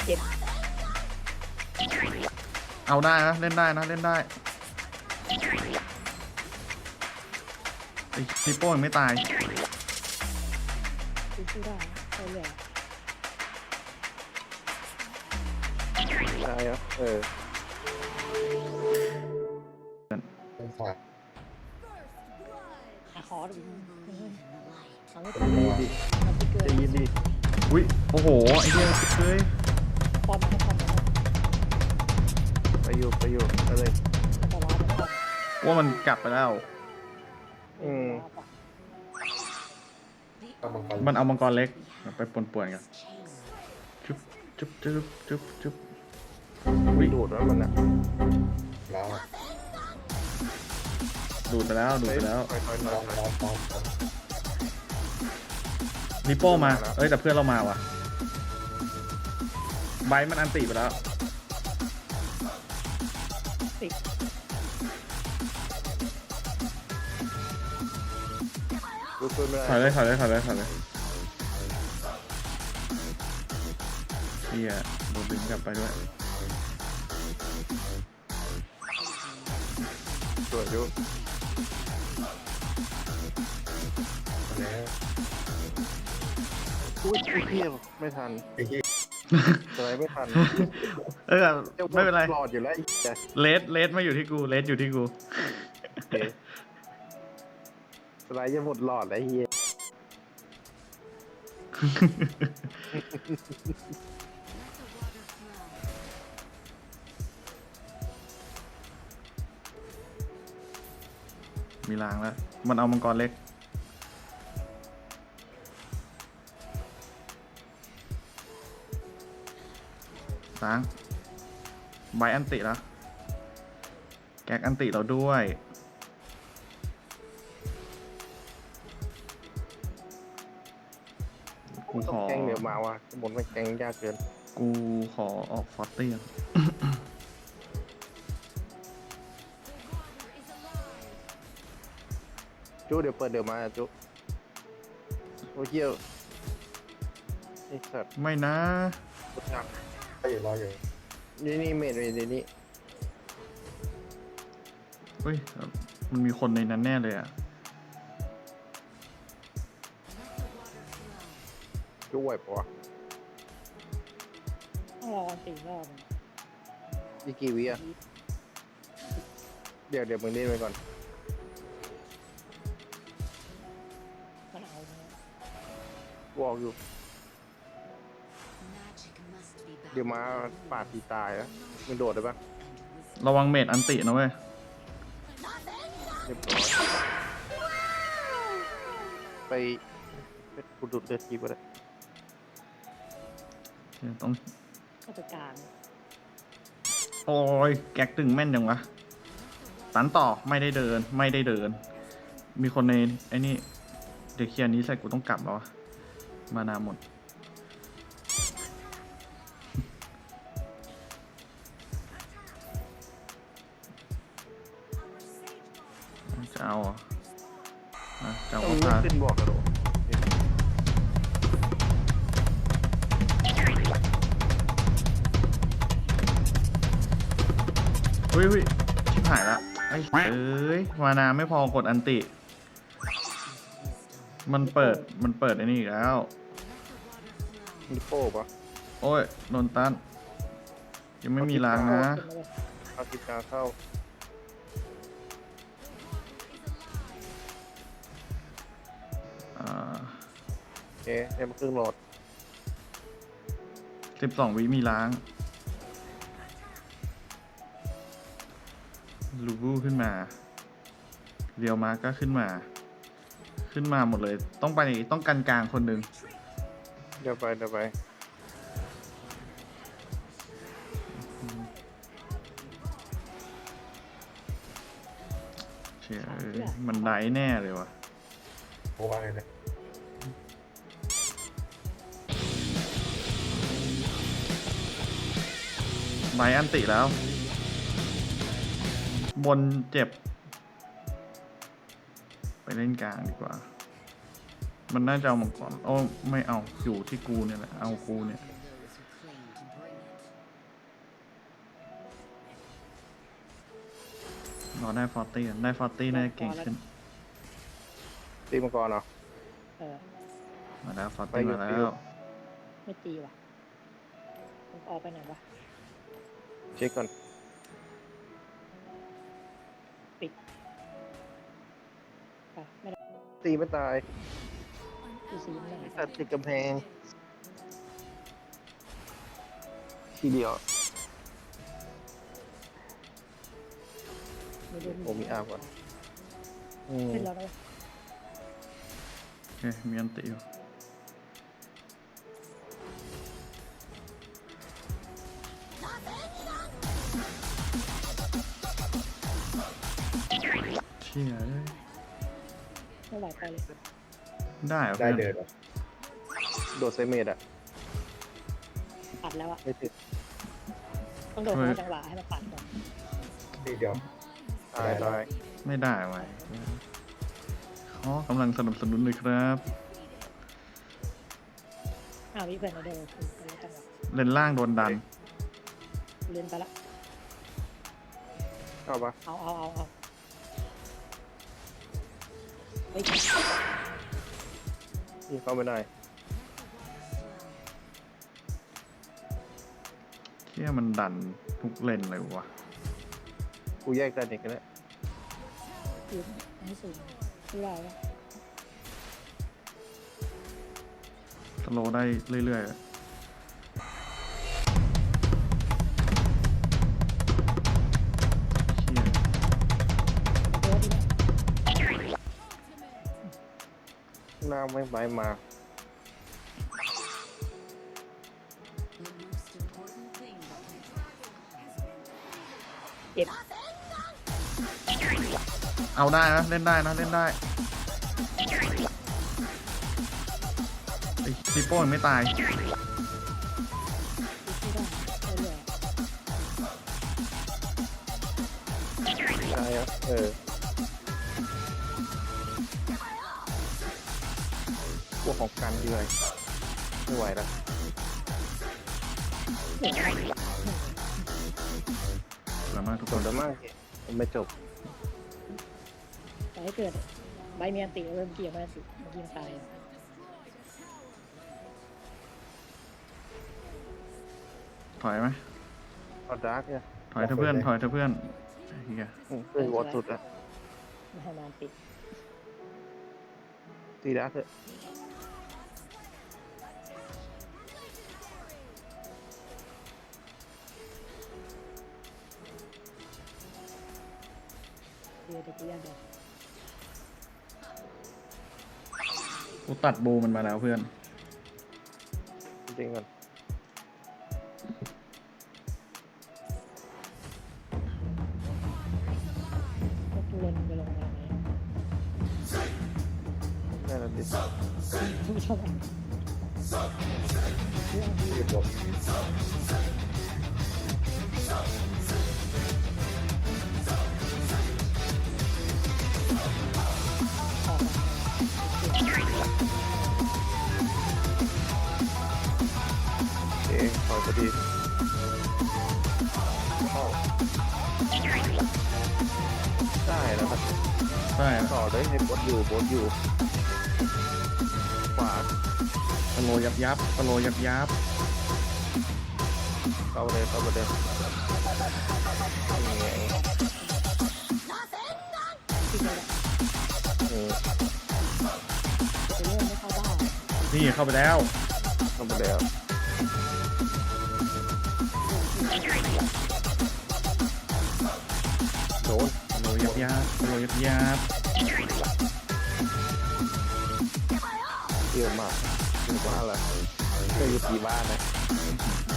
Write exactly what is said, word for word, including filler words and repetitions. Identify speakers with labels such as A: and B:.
A: เจ็บ
B: เอาได้นะเล่นได้นะเล่นได้ไอ้นิโป้ยังไม่ตาย
A: สู้ได้ไปเลย
C: ได้ครับเออ
D: เป็นฝาก
A: หาคอดูทำให้
C: ใจ
A: ทัน
C: เย็นดิ
A: ทำให้เกิ
C: ใจ
A: น
C: เย็นดิ
B: อุ้ยโอ้โหไอ้เหี้ยเฮ้ย
A: พอมันพอมัน
C: ไปอยู่ไปอยู่ไปเลย
A: แต่ว่ามันพอ
B: ว่ามันกลับไปแล้ว
C: อืม
D: เอามังกร
B: มันเอามังกรเล็กไปปนๆกันจุ๊บจุ๊บจุ๊บจุ๊บจุ๊บ
C: ไม่ดูดว่ามันอ่ะ
D: แล้วอะ
B: ดูดไปแล้วดูดไปแล้ว
C: ค่อยๆ
D: ล
C: มา
D: องลองลองลอง
B: นิโป้มาเอ้ยแต่เพื่อนเรามาว่ะไบร์ทมันอันติไปแล้ว
A: ติด
C: ดูตัวไม่ได้
B: ถอยเลยถอยเลยถอยเลยถอยเลยเฮียโดนดึงกลับไปด้วย
C: ส่วนอยู่
D: แล้ว
C: อุ้ยอุ้ยเพี้ยไม่ทัน
D: ไอ้ที่
C: อะไรไม่ทัน
B: เออไม่เป็นไร
C: หลอดอยู่แล้วไอ้เหี้ย
B: เลสเลสมาอยู่ที่กูเลสอยู่ที่กู
C: โอเคสไลด์จะหมดหลอดแล้วไอ้เฮีย
B: มีรางแล้วมันเอามังกรเล็กสางใบอันติแล้วแก๊กอันติเราด้วยกู
C: ต้
B: ข
C: อง
B: อ
C: แกงเดี๋ยวมาว่ะบนมันแกงยากเกิน
B: กูขอออกฟอสเตียง
C: จุเดี๋ยวเปิดเดี๋ยวมาจุโอ้เหี้ยไอ้สัตว์
B: ไม่นะ
C: กดจับ
D: ก็อยู่รออยู่
C: นี่นี่เมดเลยนี่
B: เฮ้ยมันมีคนในนั้นแน่เลยอ่ะ
C: จุไหวปะวะ
A: ต้องรอสี่รอบ
C: อีกกี่วิอ่ะเดี๋ยวเดี๋ยวมึงเล่นไปก่อน
A: มันเอา
C: วอกอยู่ เดี๋ยวมาปาดตีตายแล้วมึงโดดได้ปะ
B: ระวังเมดอันตินะเว้ย
C: เรียบร้อยไปไปกูดูดเลือดทีก็ได้
B: ต้อง
A: ราชการ
B: โอ้ยแก๊กตึงแม่นยังวะตันต่อไม่ได้เดินไม่ได้เดิน มีคนในไอ้นี่เด็กเคียร์นี้ใส่กูต้องกลับแล้ววะมานาหมดจะเอาเหรออ่ะจะเอา
C: มึง
B: พา
C: ไม่ขึ้นบอกกระโดด
B: เฮ้ยเฮ้ยชิบหายละไอ้เอ้ยมานาไม่พอกดอันติ มันเปิดมันเปิดไอ้นี่อีกแล้ว
C: มีโป้ปะ
B: โอ้ยโดนตันยังไม่มีล้างนะ
C: เอาติดกาเข้า
B: อ่า
C: โอเคเอ็มครึ่งโหลด
B: สิบสองวิมีล้าง ลูบูขึ้นมา เรียวมาก็ขึ้นมา ขึ้นมาหมดเลย ต้องไปต้องกันกลางคนหนึ่ง
C: เดี๋ยวไปเดี๋ยวไป
B: เชื่อมันได้แน่เลยวะ
D: โอ้ว่าไงเนี่ย
B: ไบอันติแล้ว บนเจ็บ ไปเล่นกลางดีกว่า มันน่าจะเอามังกรโอ้ไม่เอาอยู่ที่กูเนี่ยแหละเอากูเนี่ยรอได้ฟอร์ตี้ได้ฟอร์ตี้น่าจะเก่งขึ้น
C: ตีมังกรเหรอ
A: เออ
B: มาแล้วฟอร์
C: ไป
B: ตี้
C: อยู่
B: มา
C: ไป
B: แล้
C: อยู่
B: ว
A: ไม่ตีว่ะมันออกไปไหนวะ
C: เช็คก่อน
A: อ่ะไม่ได้
C: ตีไม่ตาย
A: ตีสีไหน
C: ไอ้สัตว์ติดกำแพง ทีเดียว
A: ไม่ได้
C: โอ้มีอาบก่อนอืม
A: ขึ้นแล้วนะ
B: โอเคมีอันติอยู่เชี่ยเอ้ย
A: ไม่ไหวไปเลย
B: ได้เหรอ
D: ได้
B: เพื่อน
D: เดินเหรอ
C: โดดเซเมดอะ
A: ปัดแล้วอะ
C: ไม่ติด
A: ต้องโดนเข้าจังหวะให้มันปัดก่อน
D: ทีเดียว
C: ตายตาย
B: ไม่ได้ไว้ขอกำลังสนับสนุนเลยครับ
A: อ้าววิเพื่อนเราโดนคือไปแล้วจังหวะ
B: เลนล่างโดนดัน
A: เลื่อนไปละ
C: เข้าปะ
A: เอาเอาเอาเอาเฮ้ย
C: นี่เข้าไม่ได้
B: เชี่ยมันดันทุกเลนเลยวะ
C: กูแยกกันอีกแล้ว
A: ยืนให้สูงไม่ได้วะ
B: สโลว์ได้เรื่อยๆ เชี่ย
A: เดี๋ยวดีนะ
C: หน้าไม่ไปมา
A: เจ็บ
B: เอาได้นะ เล่นได้นะ เล่นได้ไอ้ปีโป้ยังไม่ตาย
A: ไม่ได้เรื่อย
C: ใช่ครับเออพวกของกันด้วยไม่ไหวแล้ว
A: ๆเดี๋ยวนะ
B: แล้วมากทุก
C: จ
B: ค
C: บ
B: น
C: แล้วมากมันไม่จบ
A: แต่ให้เกิดใบเมียนติเริ่มเกี่ยวแม่นติเมื่อกี้มันตาย
B: ถอยไหม
C: เอาดาร์กเนี่ย
B: ถอยเถอะเพื่อน ถอยเถอะเพื่อนไอ้เหี้ย
C: อืมเพื่อนวอดสุดอะ
A: ไม่ให้มันติด
C: ตีดาร์กเถอะ
A: เดี๋ยวตะกี้ยังเดี๋ยว
B: กูตัดบูมันมาแล้วเพื่อน
C: จริงๆก่อน
A: พวกเลนไปลงมาไหน
C: ได้แล้วดิ
A: ไม่ชอบ
D: ทีเดียว
A: ออกมา
C: เอ๊ะถอยพอดีเข้าได้แล้วครับ
B: ใช่
C: ต่อเลยให้บดอยู่บดอยู่ขวา
B: สโลยับยับสโลยับยับ
C: เข้าเลยเข้าไปเลยนี่ไง
A: ติดเลยแหละ
C: อืม
A: จะเริ่มไม่เข้าบ้าน
B: นี่เข้าไปแล้ว
C: เข้าไปแล้วโดน
B: สโลยับยับสโลยับยับ
C: เยอะมากถึงว่าอะไรเคยอยู่กี่บ้านนะ